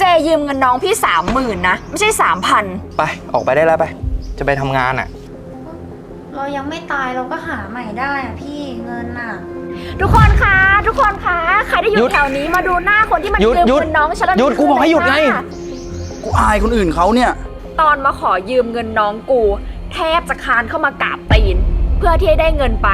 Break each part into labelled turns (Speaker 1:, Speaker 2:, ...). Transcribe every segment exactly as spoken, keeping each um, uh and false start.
Speaker 1: เจยืมเงินน้องพี่สามหมื่นนะไม่ใช่สามพัน
Speaker 2: ไปออกไปได้แล้วไปจะไปทำงานอ่ะ
Speaker 3: เรายังไม่ตายเราก็หาใหม่ได้อะพี่เงินอ่ะ
Speaker 1: ทุกคนคะทุกคนคะใครที่อยู่แถวนี้มาดูหน้าคนที่มันยืมเงินน้องฉันแล้ว
Speaker 2: หยุดกูบอกให้หยุดไง
Speaker 4: กูอายคนอื่นเขาเนี่ย
Speaker 1: ตอนมาขอยืมเงินน้องกูแทบจะคานเข้ามากราบตีนเพื่อที่จะได้เงินไป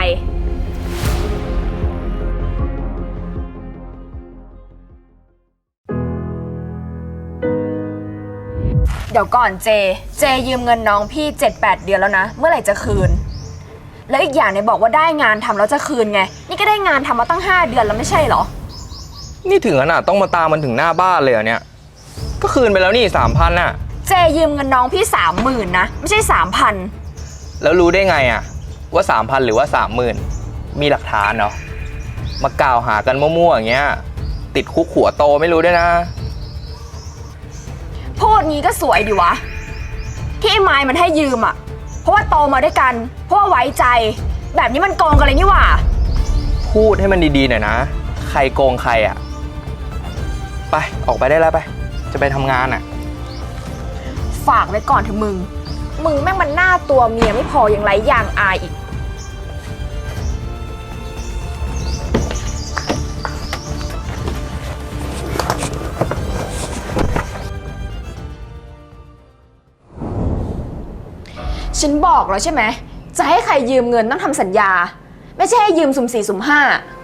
Speaker 1: เดี๋ยวก่อนเจเจยืมเงินน้องพี่ เจ็ดแปด เดือนแล้วนะเมื่อไหร่จะคืนแล้วอีกอย่างเนี่ยบอกว่าได้งานทำแล้วจะคืนไงนี่ก็ได้งานทำมาตั้งห้าเดือนแล้วไม่ใช่เหรอ
Speaker 2: นี่ถึงขนาดต้องมาตามมันถึงหน้าบ้านเลยเหรอเนี่ยก็คืนไปแล้วนี่สามพันน่ะ
Speaker 1: เจยืมเงินน้องพี่สามหมื่นนะไม่ใช่สามพัน
Speaker 2: แล้วรู้ได้ไงอะว่าสามพันหรือว่าสามหมื่นมีหลักฐานเหรอมากล่าวหากันมั่วๆอย่างเงี้ยติดคุกหัวโตไม่รู้ด้วยนะ
Speaker 1: พูดงี้ก็สวยดีวะที่ไอ้ไม้มันให้ยืมอ่ะเพราะว่าโตมาด้วยกันเพราะว่าไว้ใจแบบนี้มันโกงกันเลยนี่หว่า
Speaker 2: พูดให้มันดีๆหน่อยนะใครโกงใครอ่ะไปออกไปได้แล้วไปจะไปทำงานอ่ะ
Speaker 1: ฝากไว้ก่อนเถอะมึงมึงแม่งมันหน้าตัวเมียไม่พอยังไร้ยางอายอีกฉันบอกแล้วใช่ไหมจะให้ใครยืมเงินต้องทำสัญญาไม่ใช่ให้ยืมสุ่มสี่สุ่มห้า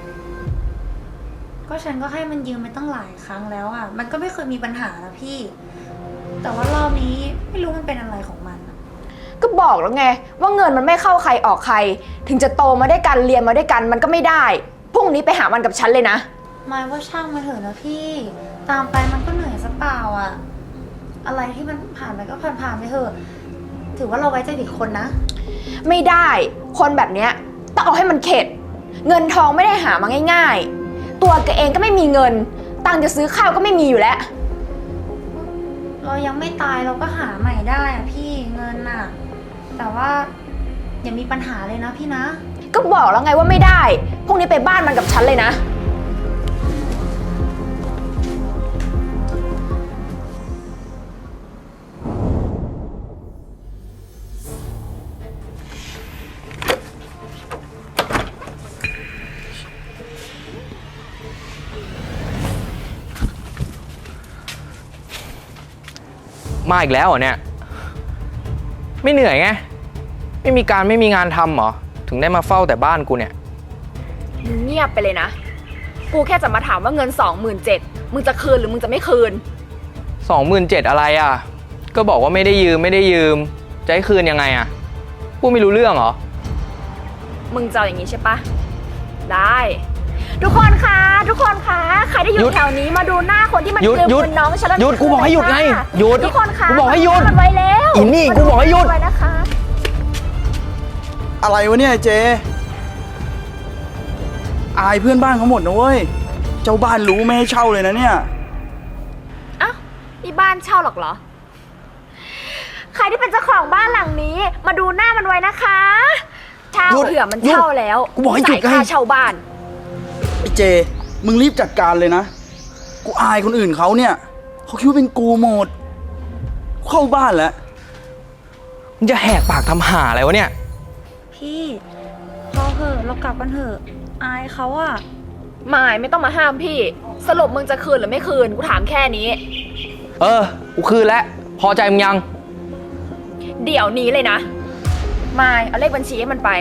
Speaker 3: ก็ฉันก็ให้มันยืมไปตั้งหลายครั้งแล้วอ่ะมันก็ไม่เคยมีปัญหานะพี่แต่ว่ารอบนี้ไม่รู้มันเป็นอะไรของมัน
Speaker 1: ก็บอกแล้วไงว่าเงินมันไม่เข้าใครออกใครถึงจะโตมาด้วยกันเรียนมาด้วยกันมันก็ไม่ได้พรุ่งนี้ไปหามันกับฉันเลยนะ
Speaker 3: หมายว่าช่างมาเถอะนะพี่ตามไปมันก็เหนื่อยซะเปล่าอ่ะอะไรที่มันผ่านไปก็ผ่านๆไปเถอะถือว่าเราไว้ใจผิดคนนะ
Speaker 1: ไม่ได้คนแบบเนี้ยต้องเอาให้มันเข็ดเงินทองไม่ได้หามาง่ายๆตัวแกเองก็ไม่มีเงินตังค์จะซื้อข้าวก็ไม่มีอยู่แล้ว
Speaker 3: เรายังไม่ตายเราก็หาใหม่ได้อะพี่เงินน่ะแต่ว่าอย่ามีปัญหาเลยนะพี่นะ
Speaker 1: ก็บอกแล้วไงว่าไม่ได้พรุ่งนี้ไปบ้านมันกับฉันเลยนะ
Speaker 2: มาอีกแล้วเหรอเนี่ยไม่เหนื่อยไงไม่มีการไม่มีงานทำเหรอถึงได้มาเฝ้าแต่บ้านกูเนี่ย
Speaker 1: เงียบไปเลยนะกูแค่จะมาถามว่าเงิน สองหมื่นเจ็ดพัน มึงจะคืนหรือมึงจะไม่คืน
Speaker 2: สองหมื่นเจ็ดพัน อะไรอ่ะก็บอกว่าไม่ได้ยืมไม่ได้ยืมจะให้คืนยังไงอ่ะพูดไม่รู้เรื่องเหรอ
Speaker 1: มึงจะอย่างนี้ใช่ปะได้ทุกคนคะทุกคนคะใครที่อยู่แถวนี้มาดูหน้าคนที่มันยืมเงินน้องฉันแล้ว
Speaker 2: หยุดกูบอกให้หยุดไงหยุด
Speaker 1: ทุกคนคะ
Speaker 2: กูบอกให้หยุด
Speaker 1: ไว้แล้ว
Speaker 2: อีนี่กูบอกให้หยุด
Speaker 1: ไว้นะคะ
Speaker 4: อะไรวะเนี่ยเจอายเพื่อนบ้านเขาหมดนะเว้ยเจ้าบ้านรู้ไม่ให้เช่าเลยนะเนี่ย
Speaker 1: อ้าวนี่บ้านเช่าหรอกเหรอใครที่เป็นเจ้าของบ้านหลังนี้มาดูหน้ามันไว้นะคะเช่าเผื่อมันเช่าแล้ว
Speaker 4: กูบอกให้หยุด
Speaker 1: จ่ายค่าเช่าบ้าน
Speaker 4: ไอ้เจมึงรีบจัดการเลยนะกูอายคนอื่นเขาเนี่ยเขาคิดว่าเป็นกูหมดเข้าบ้านแล้ว
Speaker 2: มึงจะแหกปากทำหาอะไรวะเนี่ย
Speaker 3: พี่พอเหอะเรากลับกันเถอะอายเขาอะ
Speaker 1: ไม่ไม่ต้องมาห้ามพี่สรุปมึงจะคืนหรือไม่คืนกูถามแค่นี้
Speaker 2: เออกูคืนแล้วพอใจมึงยัง
Speaker 1: เดี๋ยวนี้เลยนะไม่เอาเลขบัญชีให้มันไป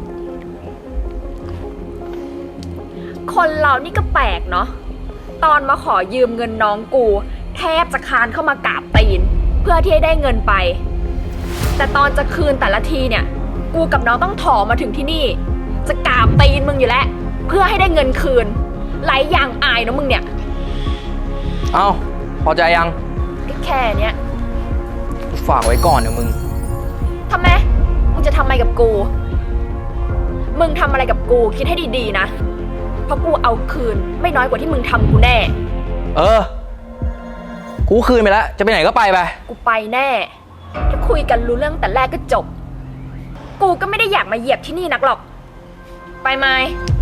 Speaker 1: คนเรานี่ก็แปลกเนาะตอนมาขอยืมเงินน้องกูแทบจะคานเข้ามากราบตีนเพื่อที่จะได้เงินไปแต่ตอนจะคืนแต่ละทีเนี่ยกูกับน้องต้องถอมาถึงที่นี่จะกราบตีนมึงอยู่แล้วเพื่อให้ได้เงินคืนไร้ยางอายนะมึงเนี่ย
Speaker 2: เอ้าพอใจยัง
Speaker 1: แค่เนี้ย
Speaker 2: ฝากไว้ก่อนนะมึง
Speaker 1: ทำไมมึงจะทำอะไรกับกูมึงทำอะไรกับกูคิดให้ดีๆนะเพราะกูเอาคืนไม่น้อยกว่าที่มึงทำกูแน่
Speaker 2: เออกูคืนไปแล้วจะไปไหนก็ไปไป
Speaker 1: กูไปแน่ถ้าคุยกันรู้เรื่องแต่แรกก็จบกูก็ไม่ได้อยากมาเหยียบที่นี่นักหรอกไปไหม